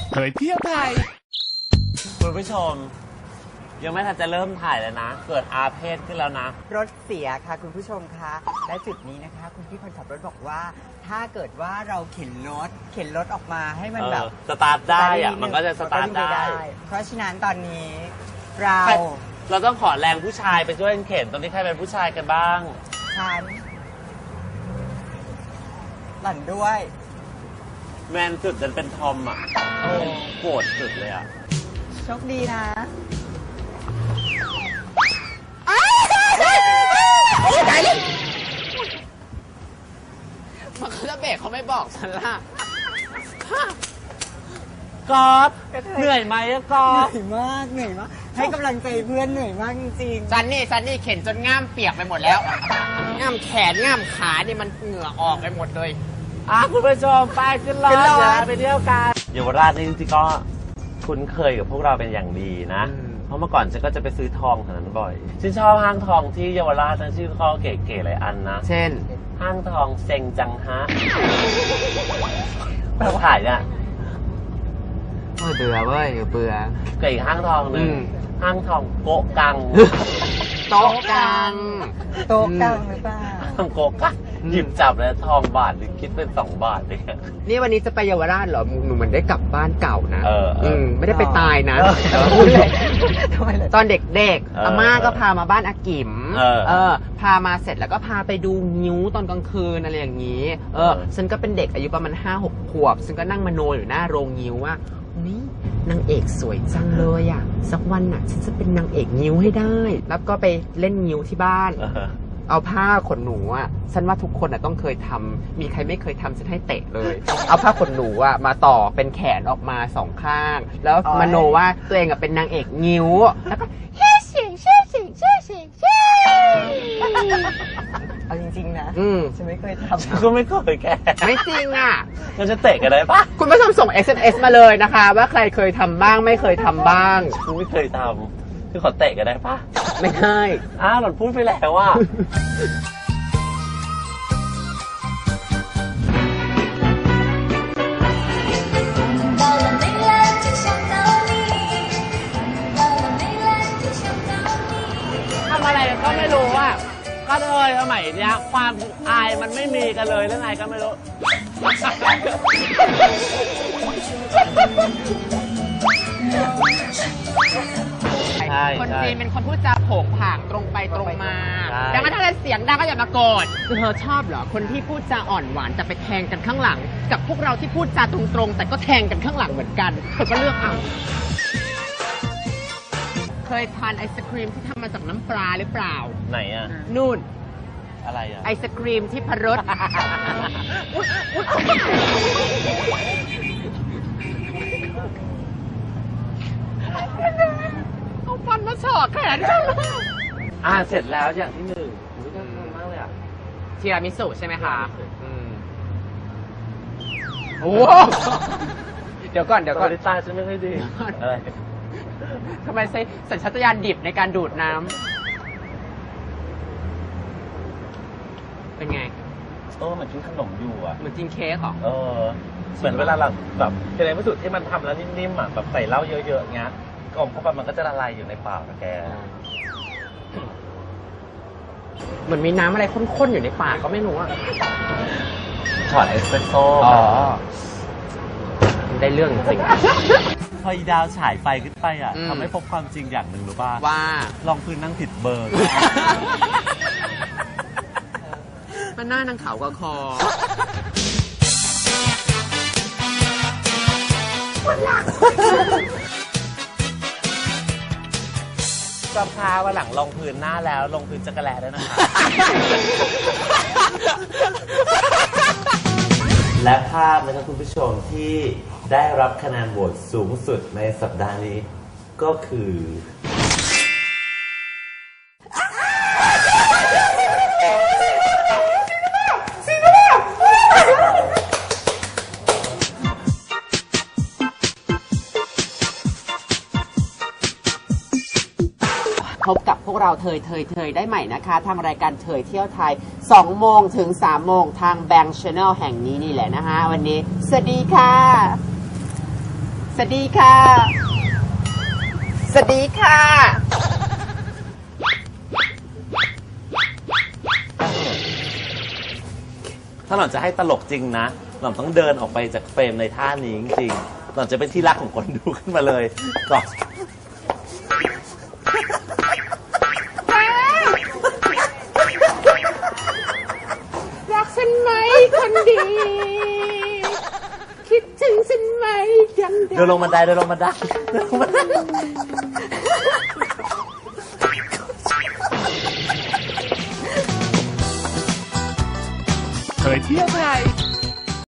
เผยเที่ยวไทยคุณผู้ชมยังไม่ทันจะเริ่มถ่ายเลยนะเกิดอาเพศขึ้นแล้วนะรถเสียค่ะคุณผู้ชมคะและจุดนี้นะคะคุณพี่คนขับรถบอกว่าถ้าเกิดว่าเราเข็นรถออกมาให้มันแบบสตาร์ทได้อะมันก็จะสตาร์ทได้เพราะฉะนั้นตอนนี้เราต้องขอแรงผู้ชายไปช่วยเข็นตอนนี้ใครเป็นผู้ชายกันบ้างฉันหล่อนด้วยแมนสุดจนเป็นทอมอ่ะโกรธสุดเลยอ่ะโชคดีนะตายเลยมันจะเบรกเขาไม่บอกฉันล่ะกอล์ฟเหนื่อยไหมอะกอล์ฟเหนื่อยมากให้กำลังใจเพื่อนเหนื่อยมากจริงๆซันนี่เข็นจนง่ามเปียกไปหมดแล้วง่ามแขนง่ามขานี่มันเหงื่อออกไปหมดเลยคุณผู้ชมไปขึ้นรถเดี๋ยวไปเที่ยวกันเยาวราชนี่จริงๆก็คุ้นเคยกับพวกเราเป็นอย่างดีนะเพราะเมื่อก่อนฉันก็จะไปซื้อทองแถวนั้นบ่อยฉันชอบห้างทองที่เยาวราชนะชื่อเขาเก๋ๆหลายอันนะเช่นห้างทองเซ็งจังฮะแบบถ่ายเนี่ยเบื่อเว้ยเบื่อกับอีกห้างทองหนึ่งห้างทองโกกังโต๊ะกังหรือเปล่าทองโกกังหยิบจับแล้วทองบาทหรือคิดเป็น2 บาทเนี่ยนี่วันนี้จะไปเยาวราชเหรอหนูเหมือนได้กลับบ้านเก่านะไม่ได้ไปตายนะตอนเด็กๆอาม่าก็พามาบ้านอากิ๋มพามาเสร็จแล้วก็พาไปดูงิ้วตอนกลางคืนอะไรอย่างนี้ฉันก็เป็นเด็กอายุประมาณ5-6 ขวบฉันก็นั่งมโนอยู่หน้าโรงงิ้วว่านี่นางเอกสวยจังเลยอ่ะสักวันน่ะฉันจะเป็นนางเอกงิ้วให้ได้แล้วก็ไปเล่นงิ้วที่บ้านเอาผ้าขนหนูอ่ะฉันว่าทุกคนอ่ะต้องเคยทำมีใครไม่เคยทำฉันให้เตะเลยเอาผ้าขนหนูอ่ะมาต่อเป็นแขนออกมา2 ข้างแล้วมโนว่าตัวเองอ่ะเป็นนางเอกงิ้วแล้วก็เฮ้เสียงเอาจริงๆนะฉันไม่เคยทำก็ไม่เคยแกไม่จริงอ่ะเราจะเตะกันได้ปะคุณผู้ชมส่ง SMS มาเลยนะคะว่าใครเคยทำบ้างไม่เคยทำบ้างกูไม่เคยทำคือขอเตะกันได้ปะไม่ได้หล่อนพูดไปแล้วว่าทำอะไรก็ไม่รู้อ่ะก็เลยสมัยเนี้ยความอายมันไม่มีกันเลยแล้วไงก็ไม่รู้คนจีนเป็นคนพูดจาโผงผางตรงไปตรงมาดังนั้นถ้าเสียงดังก็อย่ามาโกรธคือเธอชอบเหรอคนที่พูดจาอ่อนหวานแต่ไปแทงกันข้างหลังกับพวกเราที่พูดจาตรงๆแต่ก็แทงกันข้างหลังเหมือนกันเธอก็เลือกเอาเคยทานไอศครีมที่ทำมาจากน้ำปลาหรือเปล่าไหนอ่ะนู่นอะไรอ่ะไอศครีมที่พรสเอาฟันมาฉอกแขนเสร็จแล้วอย่างที่1น่าทานมากเลยอ่ะทีรามิสุใช่ไหมคะโอ้เดี๋ยวก่อนตาฉันไม่ค่อยดีอะไรทำไมใช้สัญชาตญาณดิบในการดูดน้ำเป็นไงเหมือนกินขนมอยู่อ่ะเหมือนกินเค้กหรอเหมือนเวลาเราแบบเป็นอะไรไม่สุดที่มันทำแล้วนิ่มๆอ่ะแบบใส่เหล้าเยอะๆเงี้ยกลมเข้าไปมันก็จะละลายอยู่ในปากแกเหมือนมีน้ำอะไรข้นๆอยู่ในปากก็ไม่รู้อ่ะช็อตเอสเปรสโซ่ได้เรื่องจริงพออีดาวฉายไฟขึ้นไปอ่ะทำให้พบความจริงอย่างหนึ่งรู้ป่ะว่าลองพื้นนั่งผิดเบอร์มันหน้านางขาวกว่าคอก็พาวันหลังลงพื้นหน้าแล้วลงพื้นจักรแลด้วยนะคะและภาพนะครับคุณผู้ชมที่ได้รับคะแนนโหวตสูงสุดในสัปดาห์นี้ก็คือพบกับพวกเราเทยได้ใหม่นะคะทางรายการเทยเที่ยวไทย2 โมงถึง 3 โมงทาง Bang Channel แห่งนี้นี่แหละนะคะวันนี้สวัสดีค่ะสวัสดีค่ะ สวัสดีค่ะถ้าหล่อนจะให้ตลกจริงนะหล่อนต้องเดินออกไปจากเฟรมในท่านี้จริงๆหล่อนจะเป็นที่รักของคนดูขึ้นมาเลยก่อนรักฉันไหมคนดี คิดถึงฉันไหมยังเดินลงบันไดเดินลงบันไดเดินลงบันไดเคยเที่ยวไทย